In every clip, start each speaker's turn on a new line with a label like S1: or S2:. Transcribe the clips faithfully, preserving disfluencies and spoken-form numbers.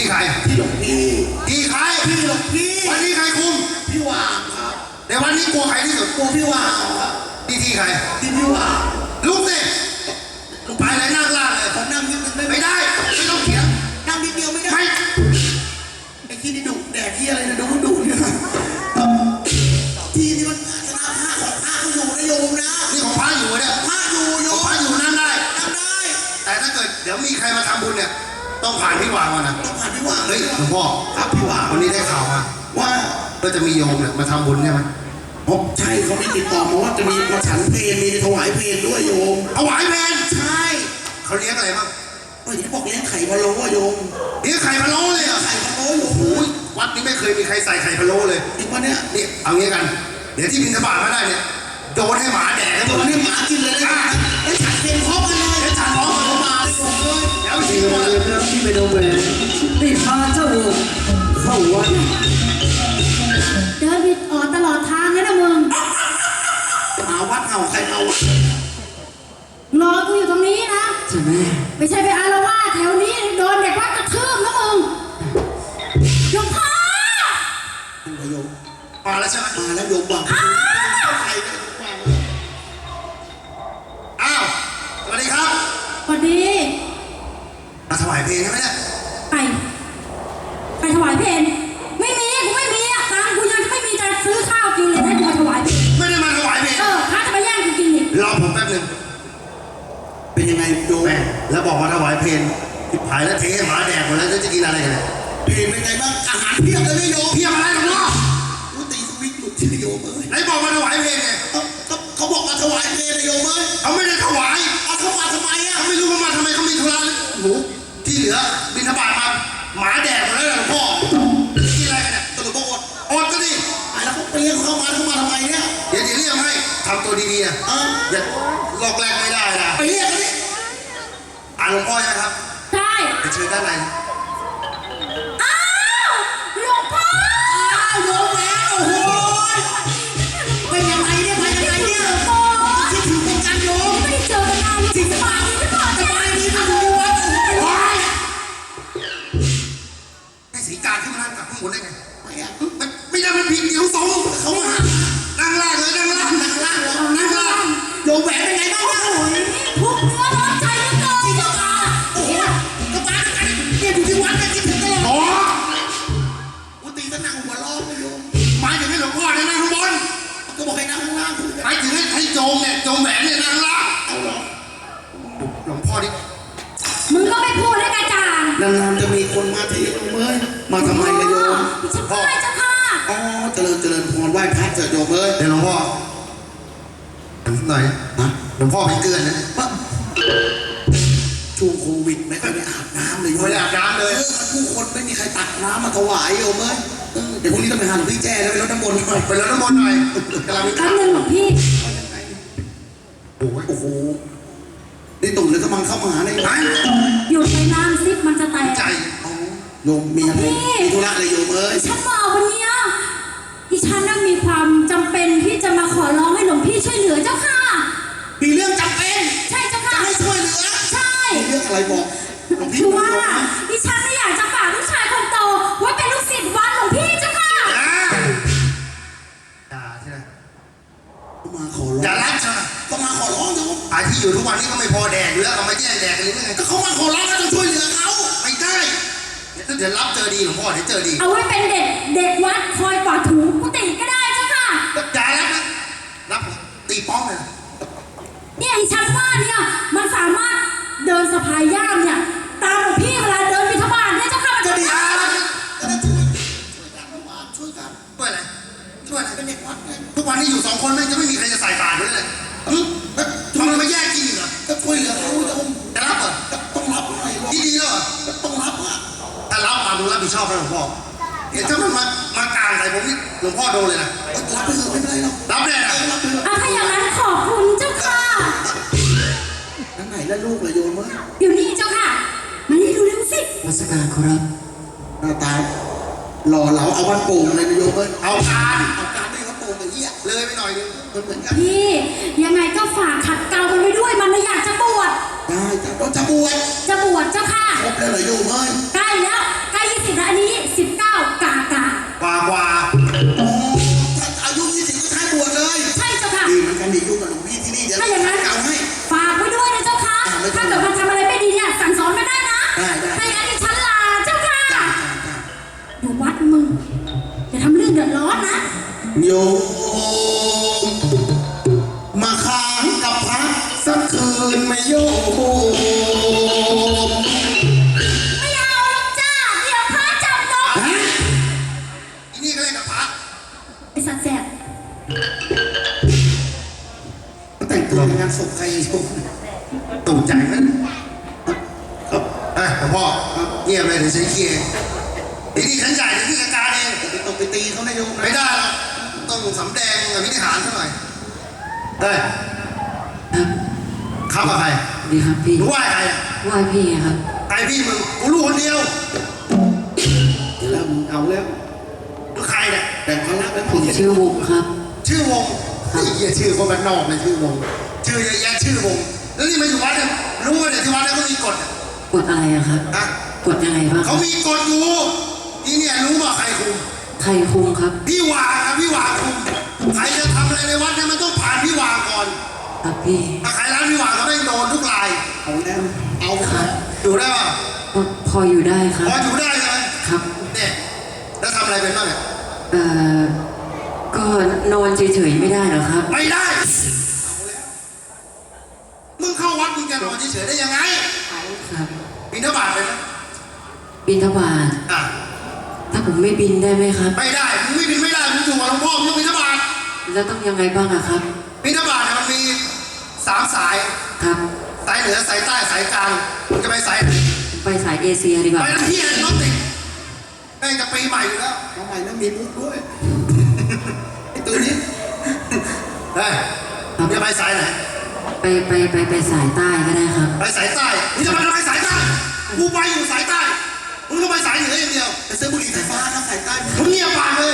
S1: ที่ใคร
S2: ที่หลวงพี่
S1: ที่ใคร
S2: ที่หลวงพี่
S1: วันนี้ใครคุม
S2: พี่วางครับ
S1: ในวันนี้กลัวใครที่สุด
S2: กลัวพี่วางครับ
S1: ที่ที่ใคร
S2: ที่พี่วาง
S1: ลุกสิลุกไปเลยนั่งล่างเลย
S2: ผมนั่งนิดนึง
S1: ไม่ได้ไม่ต้องเถียง
S2: นั่งนิดเดียวไม่ได้
S1: ไม่
S2: ไอ้ที่นี่ดุแดดที่อะไรนะดุดุเนี่ยที่นี่มันชนะผ้าของผ้าอยู่นะโยมนะ
S1: นี่ของพระอยู่เนี่ย
S2: ผ้าอยู่โยม
S1: พระอยู่นั่งได้
S2: นั่งได้
S1: แต่ถ้าเกิดเดี๋ยวมีใครมาทำบุญเนี่ยต้องผ่านพี่วางมานะ
S2: ต้องผ่านพี่วาง
S1: เฮ้ยหลวงพ่อ
S2: ครับพี่วาง
S1: วันนี้ได้ข่าวมา
S2: ว่า
S1: ก็จะมีโยมเนี่ยมาทำบุญใช่ไหม
S2: ผมใช่เขาไม่ติดต่อมาว่าจะมีมาฉันเพลมีถวายเพลด้วยโยม
S1: ถวายเพล
S2: ใช่
S1: เขาเลี้ยงอะไรบ้าง
S2: เฮ้ยบอกเลี้ยงไข่พะโล้โยม
S1: เลี้ยงไข่พะโล้เลยอ่ะ
S2: ไข่พะโล้โยม
S1: วัดนี้ไม่เคยมีใครใส่ไข่พะโล้เลย
S2: จริงปะเนี่ย
S1: นี่เอางี้กันเดี๋ยวที่บินสบายมาได้เนี่ยโดนให้หมาแดก
S2: โดนให้หมากินเลยนะแล้วฉันเพลพร้อมกันเลย
S1: แล้วฉันร้องกันมาเลยแล้วชิมเลย
S3: เรื่องที่ไปดูแหวนได้พาเจ้าเข้าวัด
S4: เดินผิดออกตลอดทางเลยนะมึง
S2: หาวัดเอาใครเอา
S4: รอกูอยู่ตรงนี้นะ
S3: ใช่ไหม
S4: ไม่ใช่ไปอารวาสแถวนี้โดนเด็กวัดกระทืบนะมึงหลวงพ่อ
S2: โยม
S1: มาแล้วใช่ไหม
S2: มาแล้วโยมบังใครเนี่ยบัง
S1: อ้าวสวัสดีครับ
S4: สวัสดี
S1: มาถวายเพลงใช่ไหมเนี่ย
S4: ไปไปถวายเพลงไม่มีกูไม่มีอ่ะตังกูยังไม่มีจะซื้อข้าวกินเลยให้กูมาถวายเพลง
S1: ไม่ได้มาถวายเพลง
S4: เออพระจะมาแย่งกูกินอีก
S1: รอผมแป๊บนึง
S2: เป็นยังไงโยม
S1: แล้วบอกว่าถวายเพลงผิดผายแล้วเทหมาแดกหมดแล้วจะกินอะไรกันเนี่ย
S2: เพลงเป็นไงบ้างอาหารเพียบเลยโยม
S1: เพียบอะไรหรอพ่อ
S2: กูตีสวิตช์หลุดชื่อโยมเอ้ย
S1: ไหนบอกมาถวายเพลงไง
S2: เขาบอกมาถวายเพลงโยมเอ้ย
S1: เขาไม่ได้ถวาย
S2: เอาเขามาทำไมอ่ะ
S1: เขาไม่รู้ว่ามาทำไมเขามีธุระหนูที่เหลือบิณฑบาตมาหมาแดกหมดแล้วหลวงพ่อกินอะไรกันเนี่ย
S2: ตลกอด
S1: อดก็ดิ
S2: ไอ้แล้วเขาเปรี้ยงเข้ามาเข้ามาทำไมเนี่ย
S1: เดี๋ยวจะเรียกให้ทำตัวดีๆนะอย่าลอกแรกไม่ได้นะ
S2: ไปเรียกเขาดิ
S1: อ่านหลวงพ่อใช่ไหมครับ
S4: ใช่
S1: ไปเชิญด้านใน
S4: อ้าวหลวงพ่อ
S2: อ้าวโยมแล้วโอ้โหเป็นยังไงเนี่ยเป็นยังไงเนี่ยคิดถึงวงการโยม
S4: ไม่ได้เจอกันนานจริงสบายดีหรือเปล่า
S2: สบายดีนะคุณวัดโอ้ย
S1: ให้สีการขึ้นมานั่งกับข้างบนได้ไง
S2: ไม่อะ
S1: ไม่ได้มันผิดเดี๋ยวสอง
S2: เขามา
S1: นั่งล่างเลยนั่งล่าง
S2: นั่งล่างนั่งล่างโยมแหวนเป็นไงบ้างวะโอ้ย
S4: ทุกเนื้อร้อนใจเหลือเกิน
S2: เจ้าตาโอ้โหกระบาดกันเนี่ยอยู่ที่วัดเนี่ยคิดถึงตลอด
S1: อ๋อ
S2: กูตีตะนั่งหัวล้อโยม
S1: หมายถึงให้หลวงพ่อเนี่ยนั่งข้างบน
S2: ก็บอกให้นั่งข้างล่าง
S1: หมายถึงให้ให้โจมเนี่ยโจมแหวนเนี่ยนั่งล่าง
S2: เอาหรอ
S1: หลวงพ่อดิ
S4: มึงก็ไม่พูดให้กระจ่าง
S2: นานๆจะมีคนมาที่โยมเอ้ยมาทำไมกันโยม
S4: พ่อเจ้าค่ะ
S2: อ๋อเจริญเจริญพรไหว้พระเถิดโยมเอ้ย
S1: เดี๋ยวหลวงพ่อหน่อยนะหลวงพ่อเป็นเกลือนนะ
S2: ช่วงโควิดไม่ค่อยได้อาบน้ำเลย
S1: ไม่ได้อาบน้ำเลย
S2: ผู้คนไม่มีใครตักน้ำมาถวายโยมเอ้ยเดี๋ยวพรุ่งนี้ต้องไปหาหลวงพี่แจ้แล้วไปรดน้ำมนต์หน่อย
S1: ไปรดน้ำมนต์หน่อยกำลังมี
S4: คำหนึ่งหลวงพี่
S1: โอ้โห
S2: โอ้โหนี่ตุ่นเลยกำลังเข้ามาหาในไหน
S4: หยุดไปน้ำซิปมันจะแตก
S1: ใจ
S2: โยมมีอะไรมีธุระอะไรโยมเอ้ย
S4: ฉันมาวันนี้ดิฉันน่ะมีความจำเป็นที่จะมาขอร้องให้หลวงพี่ช่วยเหลือเจ้าค่ะ
S2: มีเรื่องจำเป็น
S4: ใช่เจ้าค่ะ
S2: จะให้ช่วยเหลือ
S4: ใช่
S2: มีเรื่องอะไรบอกหลวงพี่
S4: คือว่าดิฉันไม่อยากจะฝากลูกชายคนโตไว้เป็นลูกศิษย์วัดหลวงพี่เจ้าค่ะ
S1: อย่าใช่ไหม
S2: มาขอร้อง
S1: อย่ารับใช่ไหม
S2: ก็มาขอร้องโยม
S1: ไอ้ที่อยู่ทุกวันนี้ก็ไม่พอแดกอยู่แล้วเอามาแย่งแดกกันหรือไง
S2: ก็เขามาขอร้องก็ต้องช่วยเหลือเขา
S1: ไม่ได้เดี๋ยวรับเจอดีหลวงพ่อเดี๋ยวเจอดี
S4: เอาไว้เป็นเด็กเด็กวัดคอยกวาดถูกุฏิก็ได้เจ้าค่ะ
S1: อย่ารับนะรับตีป้องเลย
S4: เนี่ยดิฉันว่าเนี่ยมันสามารถเดินสะพายย่ามเนี่ยตามหลวงพี่เวลาเดินบิณฑบาตเนี่ยเจ้าค่ะ
S2: จะดีอ่ะจะได้ช่วยช่วยกันช่วยกัน
S1: ช่วยอะไรช่วยอะไร
S2: เป็นเด็กวัดไง
S1: ทุกวันนี้อยู่สองคนไม่จะไม่มีใครจะใส่บาตรด้วยเลยทำไมมาแยกกินเหรอ
S2: ก็ช่วยเหลือเขาจะ
S1: จะรับเหรอ
S2: ต้องรับหน่อย
S1: ดีดีแล้วเหรอ
S2: ต้องรับอ่ะ
S1: ถ้ารับมาดูรับผิดชอบนะหลวงพ่อเดี๋ยวถ้ามันมามากลางใส่ผมนี่หลวงพ่อโดนเลยนะ
S2: รับไปเถอะไม่เป็นไรหรอก
S1: รับได้นะ
S4: อ่ะถ้าอย่างนั้นขอบคุณเจ้าค่ะ
S2: นั่นไหนแล้วลูกเลยโยมเมื่อ
S4: อยู่นี่เจ้าค่ะมานี่ดูเร็วสิ
S3: มาสการครับ
S2: หน้าตาหล่อเหลาเอาวันโป่งเลยโยมเมื่อ
S1: เอาการ
S2: เอาการไม่เขาโป่งอย่างเงี้ย
S1: เลยไปหน่อยนึง
S2: มันเหมือนกัน
S4: พี่ยังไงก็ฝากขัดเกลามันไว้ด้วยมันไม่อยากจะบวช
S2: ได้จ้ะเราจะบวช
S4: จะบวชเจ้าค่ะ
S2: ครบแล้วเหรอโยมเอ้ย
S4: ใกล้แล้วใกล้
S1: โยมมาค้างกับพระสักคืนไหม่โยม
S4: ไม่เอาหรอกจ้าเดี๋ยวพระจับน้อง
S1: ฮะอีนี่ก็เล่นกับพระ
S4: ไอ้สัตว์แสบ
S1: แต่งตัวในงานศพใครโยมตกใจไหมครับอ่ะหลวงพ่อเงียบเลยเดี๋ยวฉันเคลียร์ไอ้นี่ฉันจ่ายเดี๋ยวพี่จัดการเองไปตบไปตีเขาไม่โยมไม่ได้หรอกต้องสำแดงกับวินิหารซะหน่อยเฮ้ย
S2: ครับ
S1: เข้ากับใคร
S2: ดีครับพี่
S1: รู้ว่าใครอ่ะ
S2: ไหว้พี่ครับ
S1: ใครพี่มึงกูรู้คนเดียวเดี๋ยวแล้วมึงเอาแล้วแล้วใครเนี่ยแต่คนรักแล้ว
S2: ผ
S1: ผู้
S2: ม
S1: หญิง
S2: ชื่อวุกครับ
S1: ชื่อวงไอ้เหี้ยชื่อคนบ้านนอกเลยชื่อวงชื่อเยอะแยะชื่อวงแล้วนี่มาอยู่วัดเนี่ยรู้ว่าเนี่ยที่วัดเนี่ยเขามีกฎอะ
S2: กดอะไรอะครับ
S1: อะ
S2: กดยังไงบ้าง
S1: เขามีกฎอยู่นี่เนี่ยรู้ว่าใครคุม
S2: ใครคุมครับ
S1: พี่วางครับพี่วางคุมใครจะทำอะไรในวัดเนี่ยมันต้องผ่านพี่วางก่อน
S2: ครับพี่
S1: ถ้าใครร้านพี่วางก็ไม่โดนทุกรายเอาแล้วเอาครับอยู่ได้ป่ะ
S2: ก็พออยู่ได้ครับ
S1: พออยู่ได้ใช่ไหม
S2: ครับ
S1: เนี่ยแล้วทำอะไรเป็นบ้างเนี่ย
S2: เอ่อ ก็นอนเฉยๆไม่ได้เหรอครับ
S1: ไม่ได้เอาแล้วมึงเข้าวัดมึงจะนอนเฉยๆได้ยังไง
S2: ครับ
S1: บิณฑบาตเลยนะ
S2: บินทบาท
S1: อ่ะ
S2: ถ้าผมไม่บินได้ไหมครับ
S1: ไม่ได้มึงไม่บินไม่ได้มึงอยู่กับหลวงพ่อมึงต้องบิณฑบาต
S2: แล้วต้องยังไงบ้างอะครับ
S1: บิณฑบาตเนี่ยมันมีสามสาย
S2: ครับ
S1: สายเหนือสายใต้สายกลางมึงจะไปสายไหน
S2: ไปสายเอเชียดีกว่า
S1: ไปทั้งที่เลยรถติดแม่งจะปีใหม่อยู่แล้วปีใหม่แล้วมีมุกด้วยไอ้ตัวนี้เฮ้ยมึงจะไปสายไหน
S2: ไปไปไปไปสายใต้ก็ได้ครับ
S1: ไปสายใต้มึงจะไปทำไมสายใต้กูไปอยู่สายใต้มึงก็ไปสายเหนืออย่างเดียวไปซื้อบุหรี่ไฟฟ้านะสายใต้มึงเงียบปากเลย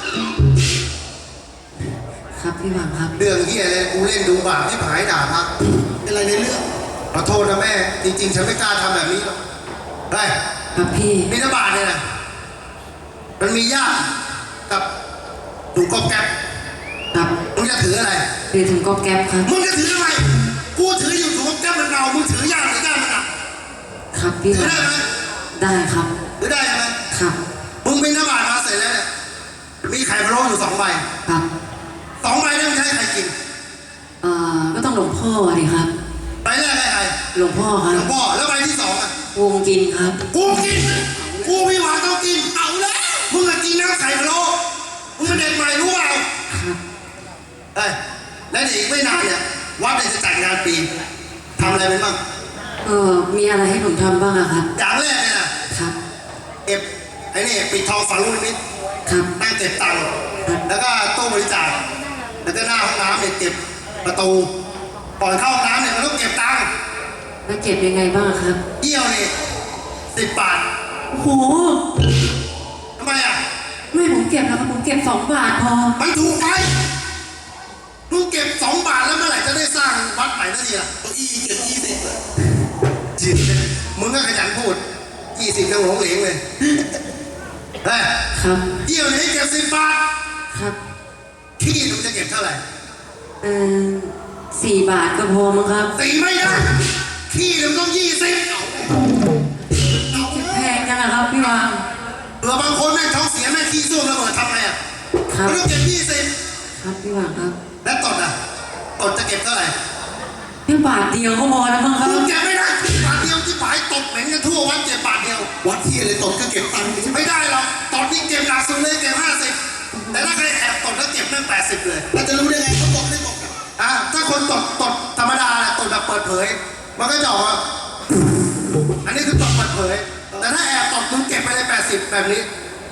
S2: ครับพี่หวังครับ
S1: เรื่องที่อะไรกูเล่นดูบาปที่ผายด่าพักเป็นอะไรในเรื่องขอโทษนะแม่จริงๆฉันไม่กล้าทำแบบนี้หรอกได้
S2: ครับพี่
S1: บิณฑบาตเนี่ยนะมันมีญาติกับถุงกอบแก๊บ
S2: ครับ
S1: มึงจะถืออะไร
S2: เรียนถึงก็แก๊ปครับ
S1: มึงจะถืออะไรกูถืออยู่ถุงกอบแก๊บมันเรามึงถือญาติหรือญาติมันอ่ะ
S2: ครับพี่ห
S1: ถือ
S2: วัง
S1: ได้ไหม
S2: ได้ครับ
S1: ถือได้ไหม
S2: ครับ
S1: มึงบิณฑบาตมาเสร็จแล้วเนี่ยมีไข่พะโล้อยู่สองใบ
S2: ครับ
S1: สองใบเนี่ยมึงจะให้ใครกิน
S2: เอ่อ ก็ต้องหลวงพ่อดิครับ
S1: ใบแรกให้ใคร
S2: หลวงพ่อครั
S1: หล
S2: บ
S1: วงพ่อแล้วใบที่สองอ่ะ
S2: วงกินครับ
S1: กูกินกูพี่หวานต้องกินเอาแล้วมึงอะกินน้ำไข่พะโล้มึงเป็นเด็กใหม่รู้เปล่า
S2: ครับ
S1: เอ้ยและเดี๋ยวอีกไม่นานเนี่ยวัดเนี่ยจะจัดงานปีทำอะไรเป็นบ้าง
S2: เออมีอะไรให้ผมทำบ้างอะครับ
S1: อย่างแรกเนี่ยนะครับ เก็บไอ้นี่ปิดทองฝังลูกนิมิต
S2: ครับ
S1: นั่งเก็บตังค์แล้วก็ตู้บริจาคแล้วก็หน้าห้องน้ำเนี่ยเก็บประตูก่อนเข้าห้องน้ำเนี่ยมันต้องเก็บตังค์
S2: แล้วเก็บยังไงบ้างครับ
S1: เยี่ยวนี่สิบบาท
S2: โอ้โห
S1: ทำไมอ่ะ
S2: ไม่ผมเก็บแล้วครับผมเก็บสองบาทพอ
S1: มันถูกไปมึงเก็บสองบาทแล้วเมื่อไหร่จะได้สร้างวัดใหม่นาทีล่ะเก้าอี้เก็บยี่สิบจีบมึงก็ขยันพูดยี่สิบยังหลงเหลงเลยเฮ้ย
S2: ครับ
S1: เยี่ยวนี่เก็บสิบบาท
S2: ครับ
S1: ขี้มึงจะเก็บเท่าไหร่
S2: เออสี่บาทก็พอมั้งครับ
S1: ตีไม่ได้ขี้มึงต้องยี่สิบ
S2: แพงจังอะครับพี่วาง
S1: เผื่อบางคนแม่งท้องเสียแม่งขี้ส้วมแล้วเปิดทำไงอ่ะ
S2: ครับ
S1: มันต้องเก็บยี่สิบ
S2: ครับพี่วางครับ
S1: แล้วตดอ่ะตดจะเก็บเท่าไหร่
S2: แค่บาทเดียวก็พอแล้วมั้งครับ
S1: มึงเก็บไม่ได้บาทเดียวที่ผายตดเหม็นกันทั่ววัดเก็บบาทเดียววัดที่อะไรตดก็เก็บตังค์ไม่ได้หรอกตดนี่เก็บหนักสุดเลยเก็บห้าสิบแต่ถ้าใครแอบตดแล้วเก็บแม่งแปดสิบเลยเราจะรู้ได้ไงเขาตดไม่ตดอ่ะถ้าคนตดตดธรรมดาแหละตดแบบเปิดเผยมันก็จะออกมาอันนี้คือตดเปิดเผยแต่ถ้าแอบตดมึงเก็บไปเลยแปดสิบแบบนี้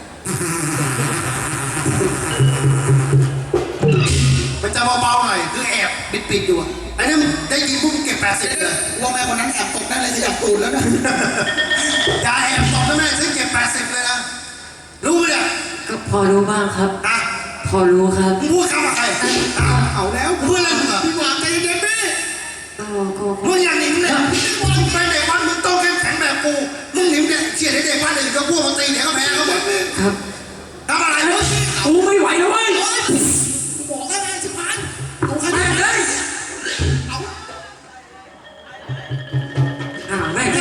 S1: มันจะเบาๆหน่อยคือแอบปิดๆอยู่อะอันนี้มันได้ยินปุ๊บเก็บแปดสิบเลยว่าแม่คนนั้นแอบตกได้เลยจะอยากตูดแล้วนะอย่าแอบตกนะแม่ฉันเก็บแปดสิบเลยนะรู้ไหมเนี่ย
S2: ก็พอรู้บ้างครับ
S1: อ่ะ
S2: พอรู้ครับ
S1: มึงพูดคำอะไรเอาเอาแล้วพูดอะไรมึงอะพี่หวานใจเย็นๆดิ
S2: ก็ก็
S1: มึงอย่างหนิมเนี่ยมึงไปเด็กวัดมึงต้องเข้มแข็งแบบกูมึงหนิมเนี่ยเชี่ยเด็กวัดอื่นก็พวกมันตีเดี๋ยวก็แพ้เขาหมด
S2: ครับ
S1: ทำอะไรมึง
S2: กูไม่ไหวแล้วเว้ย
S1: บอกแล้วไงสิมันเอาขนาดเลยเอา
S2: อ่าแม่ง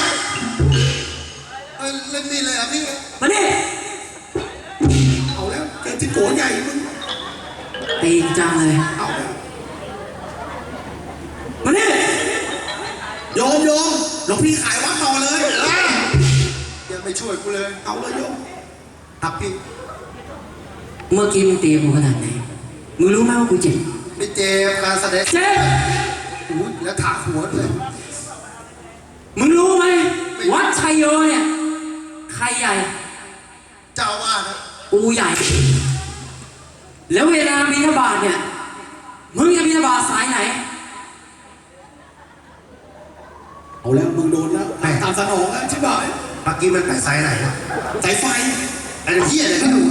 S1: เออเล่นนี่เลยอ่ะพี่
S2: มาดิ
S1: เอาแล้วเกมที่โกรธใหญ่มึง
S2: ตีจริงจังเลย
S1: เอา
S2: มาเนี่ย
S1: โยมโยมหลวงพี่ขายวัดต่อเลยเออยังไม่ช่วยกูเลยเอาเลยโยมทับพี่
S2: เมื่อกี้มึงตีกูขนาดไหนมึงรู้ไหมว่ากูเจ็บ
S1: ไม่เจ็บการแสดง
S2: เจ็บ
S1: อุ้ยแล้วถากหัวเลย
S2: มึงรู้ไหมวัดชัยโยเนี่ยใครใหญ่
S1: เจ้าว่านะ
S2: กูใหญ่ แล้วเวลาบิณฑบาตเนี่ยมึงจะบิณฑบาตสายไหน
S1: เอาแล้วมึงโดนแล้วไปตามสนองแล้วใช่ไหมปักกี้มันไปสายไหนอะสายไฟไอ้เหี้ยเนี่ยก็ดู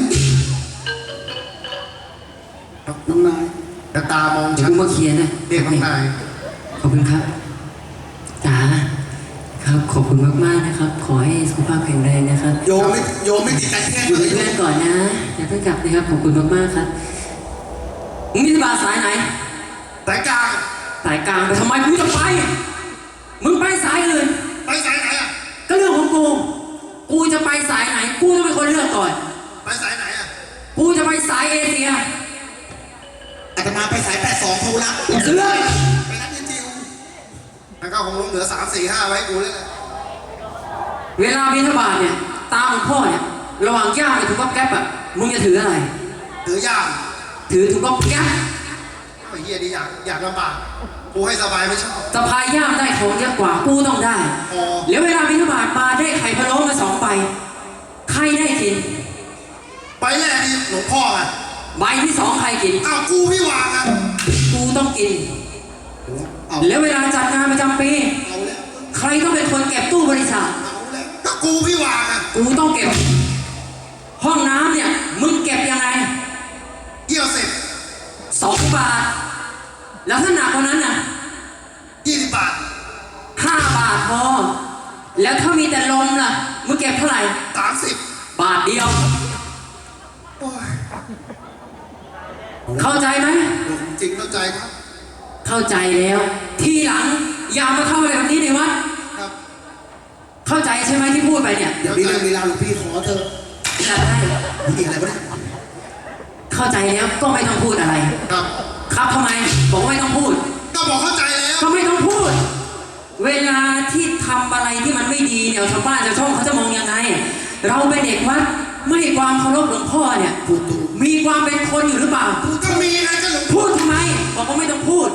S1: น้องนายแต่ตามอง
S2: เดี๋ยว
S1: ฉัน
S2: กูมาเคลียร์นะ
S1: เรียกน้องนาย
S2: ขอบคุณครับจ๋าครับขอบคุณมากๆนะครับ ขอให้สุขภาพแข็งแรงนะครับ
S1: โยมไม่โยมไม่ติดการแค่
S2: อยู่
S1: เล
S2: เป็น
S1: ย
S2: เพื่อนก่อนนะอย่าเพิ่งกลับนะครับขอบคุณมากๆครับมึงบิณฑบาตสายไหน
S1: สายกลาง
S2: สายกลางไปทำไมกูจะไปมึงไปสายอื่น
S1: ไปสายไหนอะ
S2: ก็เรื่องของกู กูจะไปสายไหน กูต้องเป็นคนเลือกก่อน
S1: ไปสายไหนอะ
S2: กูจะไปสายเอเชีย
S1: อาตมาไปสายแปดสองเขารับ
S2: เลือก
S1: ไปรับยินจิวแล้วก็คงลงเหลือสามสี่ห้าไว้กูเลยนะ
S2: เวลาบิณฑบาตเนี่ย ตาของพ่อเนี่ย ระหว่างย่ามกับถุงก๊อบแก๊บอ่ะ มึงจะถืออะไร
S1: ถือยาม
S2: ถือถุงก๊อบแก๊บ
S1: ไอ้เหี้ยดีอยากอยากลำบากกูให้สบายไม่ชอบ
S2: สะพายย่ามได้ของเยอะกว่า กูต้องได้
S1: อ๋อ
S2: แล้วเวลาบิณฑบาตมาได้ไข่พะโล้มาสองใบ ใครได้กิน
S1: ไปแรกนี่หลวงพ่ออะ
S2: ใบที่สองใครกิน
S1: อ้าวกูพี่วางอะ
S2: กูต้องกิน
S1: เอา
S2: แล้วเวลาจัดงานประจำปี
S1: เอาแล้ว
S2: ใครต้องเป็นคนเก็บตู้บริจาค
S1: เอาแล้วก็กูพี่วางอะ
S2: กูต้องเก็บ ห้องน้ำเนี่ย มึงเก็บยังไง
S1: เยี่ยวสิบ
S2: สองบาท แล้วถ้าหนักกว่านั้นน่ะ
S1: ยี่สิบบาท
S2: ห้าบาทพอ แล้วถ้ามีแต่ลมล่ะ มึงเก็บเท่าไหร่
S1: สามสิบบ
S2: าทเดียว
S1: โอ้ย
S2: เข้าใจไหม
S1: หลวงจริงเข้าใจครับ
S2: เข้าใจแล้ว ทีหลัง อย่ามาทำอะไรแบบนี้ในวัด
S1: ครับ
S2: เข้าใจใช่ไหมที่พูดไปเนี่ย
S1: เดี๋ยวมีเรื่องมีราวหลวงพี่ขอเธอ
S2: จะได้
S1: มีอะไรบ้าง
S2: เข้าใจแล้วก็ไม่ต้องพูดอะไร
S1: ครับ
S2: ครับทำไม บอกว่าไม่ต้องพูด
S1: ก็บอกเข้าใจแล้ว
S2: ก็ไม่ต้องพูด เวลาที่ทำอะไรที่มันไม่ดีเนี่ยชาวบ้านชาวช่องเขาจะมองยังไง เราเป็นเด็กวัดไม่ให้ความเคารพหลวงพ่อเนี่ย
S1: พูดถูก
S2: มีความเป็นคนอยู่หรือเปล่า
S1: ก็มีไงก็หลวง
S2: พูดทำไม บอกว่าไม่ต้องพูด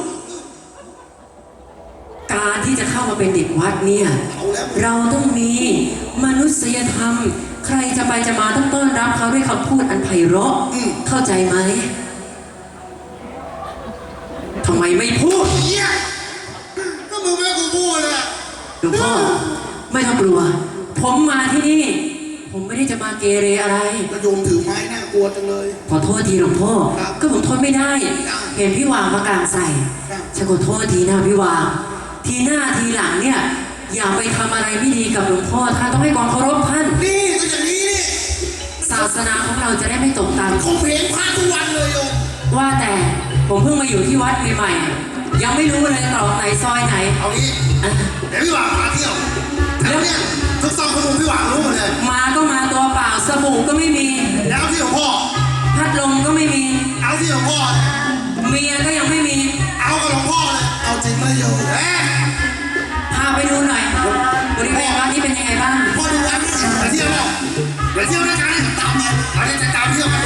S2: การที่จะเข้ามาเป็นเด็กวัดเนี่ย
S1: เอาแล้ว
S2: เราต้องมีมนุษยธรรม ใครจะไปจะมาต้องต้อนรับเขาด้วยคำพูดอันไพเราะ
S1: อืม
S2: เข้าใจไหมทำไมไม่พูด
S1: เหี้ยก็มึงไม่ให้กูพูดเลยอะ
S2: หลวงพ่อไม่ต้องกลัว ผมมาที่นี่ ผมไม่ได้จะมาเกเรอะไร
S1: กระโยมถือไม้น่ากลัวจังเลย
S2: ขอโทษทีหลวงพ่อ
S1: ครับ
S2: ก็ผมทนไม่ได้ เห็นพี่วางมากลางใส่
S1: ครับ
S2: ฉันขอโทษทีนะพี่วาง ทีหน้าทีหลังเนี่ย อย่าไปทำอะไรไม่ดีกับหลวงพ่อท่านต้องให้ความเคารพท่าน
S1: นี่ก็อย่างนี้นี่
S2: ศาสนาของเราจะได้ไม่ตกต่
S1: คงเพลงพระทุกวันเลยโยม
S2: ำว่าแต่ผมเพิ่งมาอยู่ที่วัดใหม่ๆ ยังไม่รู้เลยตรอกไหนซอยไหน
S1: เอางี้
S2: อ่ะ
S1: เดี๋ยวพี่หวางพาเที่ยวแล้วเนี่ยทุกซองขนมพี่หวางรู้หมดเลย
S2: มาก็มาตัวเปล่าสบู่ก็ไม่มี
S1: แล้วที่หลวงพ่อ
S2: พัดลมก็ไม่มี
S1: เอาที่หลวงพ่อ
S2: เมียก็ยังไม่มี
S1: เอากับหลวงพ่อเลยเอาจริงไหมโยมเอ๊ะ
S2: พาไปดูหน่อยบริเวณวัดนี้เป็นยังไงบ้าง
S1: พ่อดูวันนี้ไปเที่ยวเปล่าไปเที่ยวด้วยกันตามมาอันนี้จะตามเที่ยวกัน